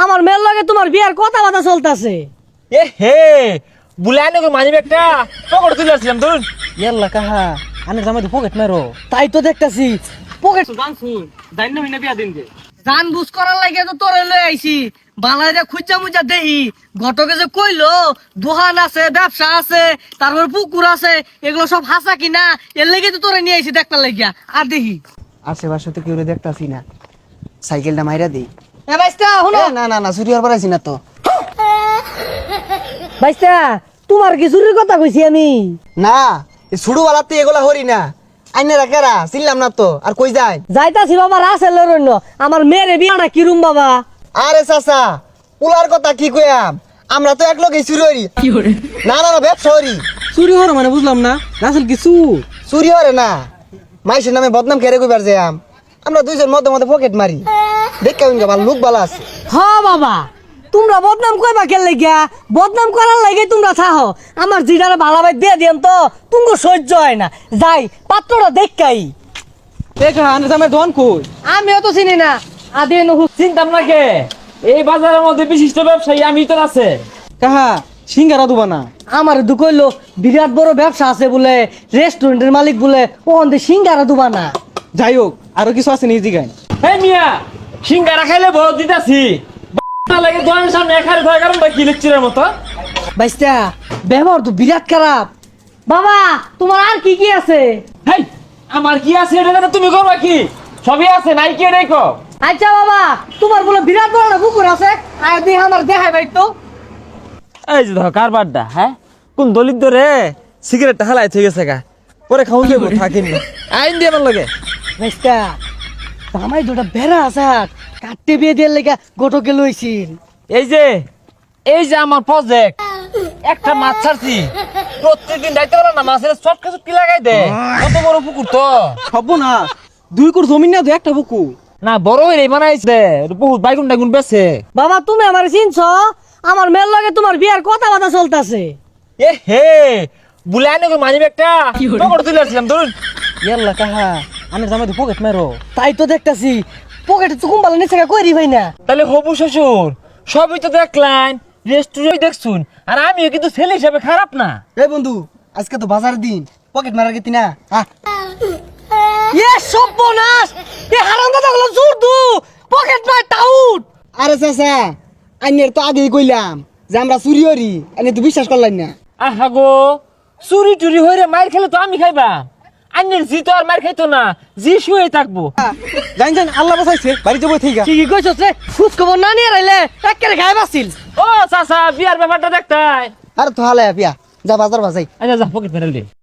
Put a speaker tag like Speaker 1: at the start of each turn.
Speaker 1: আমার মেয়ের লগে তোমার বিয়ার কথাবার্তা চলতেছে।
Speaker 2: এ হে বুলাই নাকি মানি ব্যাগটা পকেট তুলে আসলাম ধরুন।
Speaker 3: ইয়াল্লা কাহা আনে জামাই পকেট মারো।
Speaker 1: তাই তো দেখতেছি পকেট
Speaker 3: জান বুঝ করার লাগে তো তোরে লই আইছি। বালাইরে খুঁজা মুজা দেহি ঘটকে যে কইলো দোকান আছে, ব্যবসা আছে, তারপর পুকুর আছে, এগুলো সব হাসা কিনা এর লেগে তো তোরে নিয়ে আইছি দেখতে লাগিয়া। আর দেখি
Speaker 4: আশেপাশে তো কেউ দেখতাছি না, সাইকেলটা মাইরা দেই।
Speaker 3: এ বাইস্তা হুনো
Speaker 4: না না না চুরি হওয়ার পারাইছি না তো।
Speaker 1: বাইস্তা তোমার কি চুরির কথা কইছি আমি?
Speaker 4: না ছুড়ু বালাতে এগুলা হরি না, আইনে রাখেরা চিনলাম না তো। আর কই যায়?
Speaker 1: যাইতাছি বাবা রাসেল রন্য আমার মেয়ের বিয়াটা কিরুম বাবা।
Speaker 4: আরে চাচা পুলার কথা কি কইয়াম, আমরা তো এক লগে চুরি হরি। না না না ব্যবসা হরি।
Speaker 3: চুরি হর মানে বুঝলাম না রাসেল কিছু
Speaker 4: চুরি হরে না, মাইসের নামে বদনাম কেড়ে কইবার যাম। আমরা দুইজন মধ্যে মধ্যে পকেট মারি, দেখা উনকে ভালো লোক ভালো আছে।
Speaker 1: হ বাবা তোমরা বদনাম কইবা কেন লাগিয়া? বদনাম করার লাগে তোমরা থাহো। আমার জিডারে ভালাবাই দিয়ে দিম তো তুমি সহ্য হয় না। যাই পাত্রটা দেখাই।
Speaker 3: দেখা আনে জামাই দোকান কই?
Speaker 1: আমিও তো চিনি না আদি নহু।
Speaker 2: চিন্তাম না কে, এই বাজারের মধ্যে বিশিষ্ট ব্যবসায়ী আমি তো আছে।
Speaker 3: কাহা সিঙ্গারা দুবা না?
Speaker 1: আমার দুকইলো বিরাট বড় ব্যবসা আছে বলে, রেস্টুরেন্টের মালিক বলে, ওখান থেকে সিঙ্গারা দুবা না।
Speaker 3: যাই হোক আরো কিছু আছে নিজে গাই।
Speaker 2: হে মিয়া সিঙ্গারা খাইলে বড় দিতাছি লাগে দোকানের সামনে এখানে থাকার কারণটা কি লেকচারের মতো।
Speaker 1: বাইস্তা ব্যবহার তো বিরাট খারাপ। বাবা তোমার আর কি কি আছে?
Speaker 2: হেই আমার কি আছে এটা জানো তুমি করবা কি? সবই আছে নাই কি রেখো।
Speaker 1: আচ্ছা বাবা তোমার বলে বিরাট বড় একটা পুকুর আছে, আর দিয়ে আমার দেখাই ভাই তো।
Speaker 2: এই যে ধর কারবারটা, হ্যাঁ কোন দলিত রে সিগারেটটা হালাই থেকে গেছে গা, পরে খাউন দেবো থাকিনি আইন দিয়ে আমার লগে।
Speaker 1: বাইস্তা জামাই দুটা বেড়া আছে কাটতে বিয়ে দিয়ে লেগা গোটকে লইছিল।
Speaker 2: এই যে আমার প্রজেক্ট একটা মাছ ছাড়ছি, প্রত্যেকদিন দায়িত্ব করে না মাছের চটকা চটকি লাগাই দে। কত বড় পুকুর তো
Speaker 3: হব না, 2 কোর জমি না, 2 একটা বুকু
Speaker 2: না বড় হয়ে বানাইছে বহুত বাইগুন টাইগুন বেছে।
Speaker 1: বাবা তুমি আমার চিনছ? আমার মেয়ের লগে তোমার বিয়ার কথাবার্তা চলতেছে।
Speaker 2: এ হে বুলাই নাকি মানি ব্যাগটা পকেট তুলে আসলাম ধরুন।
Speaker 3: ইয়াল্লা কাহা আনে জামাই পকেট মারো।
Speaker 1: তাই তো দেখতাছি পকেটে তো কুম্বালা নিচে কইরি ভাই না।
Speaker 2: তাহলে হবু শ্বশুর সবই তো দেখলেন, রেস্টুরেন্ট দেখছুন, আর আমিও কিন্তু ছেলে হিসাবে খারাপ না।
Speaker 4: এই বন্ধু আজকে তো বাজার দিন, পকেট মারার গেতি না।
Speaker 1: এ সর্বনাশ, এ হারামজাদা গুলো জোর দু পকেট নয় টাউট।
Speaker 4: আরে চাচা আইনের তো আগেই কইলাম যে আমরা চুরি হরি, আইনে তো বিশ্বাস করলেন না।
Speaker 2: আহা গো চুরি টুরি হইরে মার খেলে তো আমি খাইবা, আন্যের জি তো আর মার খাইতো না, জি শুয়ে থাকবো।
Speaker 3: জান জান আল্লাহ বাঁচাইছে, বাড়িতে বই থেকে।
Speaker 1: কি কইছস রে? খুশ খবর না নিয়ে রাইলে একেবারে গায়ে বাসিল।
Speaker 2: ও চাচা বিয়ার ব্যাপারটা দেখতাই।
Speaker 4: আরে তো হালে পিয়া যা বাজার বাজাই।
Speaker 2: আচ্ছা যা পকেট মেরে দে।